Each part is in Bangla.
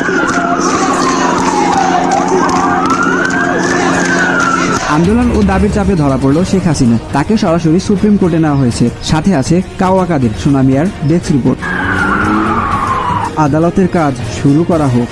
আন্দোলন ও দাবির চাপে ধরা পড়ল শেখ হাসিনা, তাকে সরাসরি সুপ্রিম কোর্টে নেওয়া হয়েছে। সাথে আছে কাওয়া কাদের। সোনামিয়ার ডেস্ক রিপোর্ট। আদালতের কাজ শুরু করা হোক।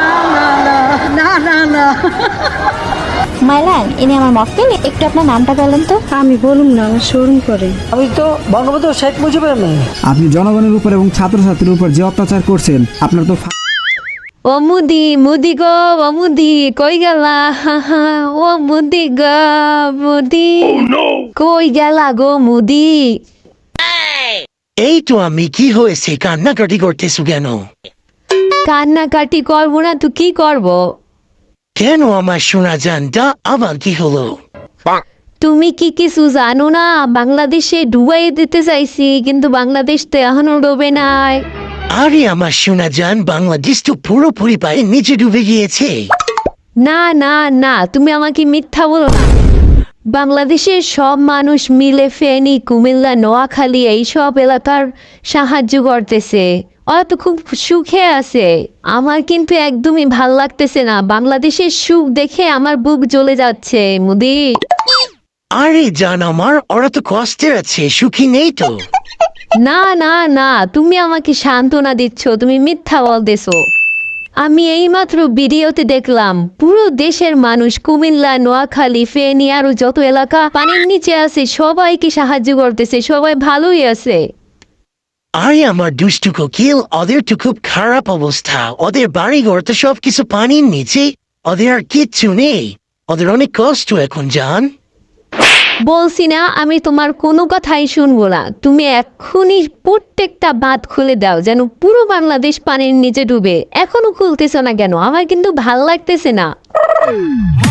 মাইলান, ইনি আমার মক্কেল, একটু আপনার নামটা বলেন তো। আমি বলুম না, আমার শোরুম করে। আমি তো বঙ্গবন্ধু শেখ মুজিবের মেয়ে। আপনি জনগণের উপর এবং ছাত্রছাত্রীর উপর যে অত্যাচার করছেন, আপনার তো ও মুদি মুদি গো, ও মুদি কই গেলা, ও মুদি গো মুদি কই গেলা গো মুদি। এই তো আমি, কি হয়েছে? কান্নাকাটি করতেছো কেন? কান্নাকাটি করবো না তো কি করব? কেন আমার শোনা জানটা আবার কি হলো? তুমি কি কিছু জানো না? বাংলাদেশে ডুবাই দিতে চাইছি, কিন্তু বাংলাদেশ তো এখনো ডোবে নাই। আরে আমার শোনা জান, বাংলাদেশ তো পুরোপুরি পায়ে নিচে ডুবে গিয়েছে। না না না, তুমি আমাকে মিথ্যা বলো না। বাংলাদেশের সব মানুষ মিলে ফেনী, কুমিল্লা, নোয়াখালী এইসব এলাকার সাহায্য করতেছে। ওরা তো খুব সুখে আছে। আমার কিন্তু একদমই ভাল লাগতেছে না। বাংলাদেশের সুখ দেখে আমার বুক জ্বলে যাচ্ছে মুদি। আরে জান আমার, ওরা তো কষ্টে আছে, সুখী নেই তো। না না না, তুমি আমাকে সান্ত্বনা দিচ্ছ, তুমি মিথ্যা বলতেছো। আমি এইমাত্র ভিডিওতে দেখলাম পুরো দেশের মানুষ, কুমিল্লা, নোয়াখালী, ফেনী আরো যত এলাকা পানির নিচে আছে, সবাইকে সাহায্য করতেছে, সবাই ভালোই আছে। আরে আমার দুষ্টু কোকিল, ওদের তো খুব খারাপ অবস্থা। ওদের বাড়ি ঘর তো সবকিছু পানির নিচে, ওদের আর কিচ্ছু নেই। ওদের অনেক কষ্ট এখন জান। বলছি না, আমি তোমার কোনো কথাই শুনবো না। তুমি এক্ষুনি প্রত্যেকটা বাঁধ খুলে দাও, যেন পুরো বাংলাদেশ পানির নিচে ডুবে। এখনো খুলতেছ না কেন? আমার কিন্তু ভাল লাগতেছে না।